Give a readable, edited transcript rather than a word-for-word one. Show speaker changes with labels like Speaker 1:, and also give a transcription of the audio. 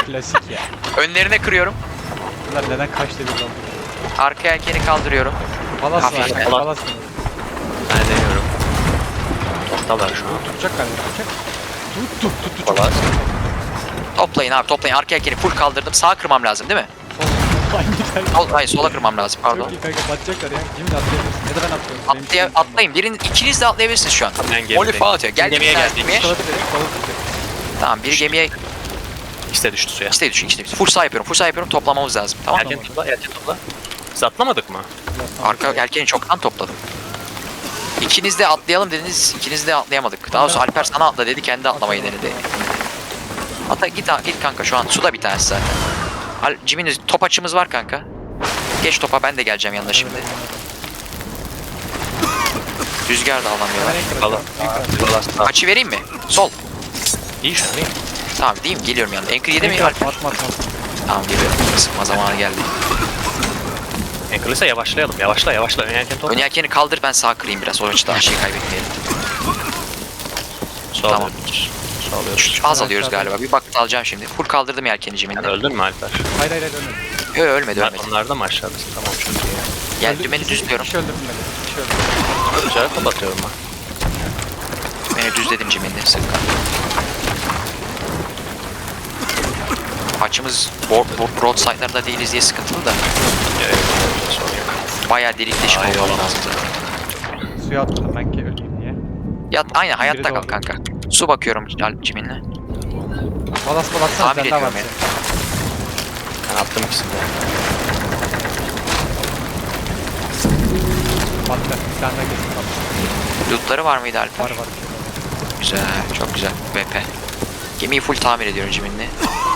Speaker 1: Klasik ya.
Speaker 2: Önlerine kırıyorum.
Speaker 1: Bunlar neden kaç dedi lan?
Speaker 2: Arka yelkeni kaldırıyorum.
Speaker 1: Palas var.
Speaker 2: Hafif.
Speaker 1: Palas var.
Speaker 3: Ben deniyorum. Toptalar şu an.
Speaker 1: Tutacak galiba. Tutacak. Tut.
Speaker 3: Valla.
Speaker 2: Toplayın abi toplayın. Arka yelkeni full kaldırdım. Sağa kırmam lazım değil mi? Hayır sola kırmam lazım pardon.
Speaker 1: Çok iyi kanka batacaklar ya. Şimdi de atlayabilirsin. Ya da ben atlıyorum.
Speaker 2: Atlayın. İkiniz de atlayabilirsiniz şu an.
Speaker 3: Ben gemideyim.
Speaker 2: Molly falan atıyor. Gel
Speaker 3: Gemiye
Speaker 2: gemiye
Speaker 3: geldik.
Speaker 2: gemiye.
Speaker 1: Kola direkt kola direkt.
Speaker 2: Tamam biri gemiye
Speaker 3: İşte düştü suya.
Speaker 2: işte düşün işte. Full sağ yapıyorum. Full sağ yapıyorum. Toplamamız lazım. Tamam.
Speaker 3: Erken topla, erken topla. Biz atlamadık mı?
Speaker 2: Arka yelkeni çoktan topladım. İkiniz de atlayalım dediniz. İkiniz de atlayamadık. Daha doğrusu Alper sana atla dedi. Kendi atlamayı denedi. Hatta git kanka şu an suda bir tanesi zaten. Jimmy'nin top açımız var kanka. Geç topa ben de geleceğim yanına şimdi. Rüzgar da alamıyorlar.
Speaker 3: Valla.
Speaker 2: Açı vereyim mi? Sol.
Speaker 3: İyi şu an iyi.
Speaker 2: Tamam diyeyim geliyorum yanına. Anchor yedi mi Alper?
Speaker 1: Atma.
Speaker 2: Tamam geliyorum. Sıkma zamanı geldi.
Speaker 3: Anchor'lıysa yavaşlayalım. Yavaşla. Erken topla.
Speaker 2: Ön yelkeni kaldır ben sağ kırayım biraz. O açıda aşıyı kaybetmeyelim.
Speaker 3: Sol
Speaker 2: Tamam.
Speaker 3: alıyoruz. Sol alıyoruz.
Speaker 2: Az alıyoruz galiba. Bir bak alacağım şimdi. Full kaldırdım yelkeni
Speaker 3: Sen
Speaker 2: Jimmy'nin.
Speaker 3: öldün mü Alper?
Speaker 1: Hayır ölmedim.
Speaker 2: Yok ölmedi.
Speaker 3: Onlar da mı aşağıdasın? Tamam çok iyi.
Speaker 2: Gel dümeni düzlüyorum.
Speaker 1: Kişi öldürdüm beni. Kişi öldürdüm.
Speaker 3: Güzel kapatıyorum ben.
Speaker 2: Beni düzledim Jimmy'nin. Sıkı. Açımız broadside'larda değiliz diye sıkıntılı da.
Speaker 3: Sorun yok.
Speaker 2: Bayağı delik deşik
Speaker 3: Ay,
Speaker 2: oldu
Speaker 3: eyvallah.
Speaker 2: lazım.
Speaker 1: Suya atladım ben ki öleyim diye.
Speaker 2: Yat aynen hayatta
Speaker 1: Biri
Speaker 2: kal
Speaker 1: doğru.
Speaker 2: kanka. Su bakıyorum Jimmy'ninle.
Speaker 1: Palas
Speaker 2: Tamir
Speaker 1: sende var
Speaker 2: ediyorum
Speaker 1: senin.
Speaker 3: Ben attım ikisini de.
Speaker 1: Patla. Bir tane daha kesin patla.
Speaker 2: Lootları var mıydı Alper?
Speaker 1: Var.
Speaker 2: Güzel, çok güzel. BP. Gemiyi full tamir ediyorum Jimmy'ninle.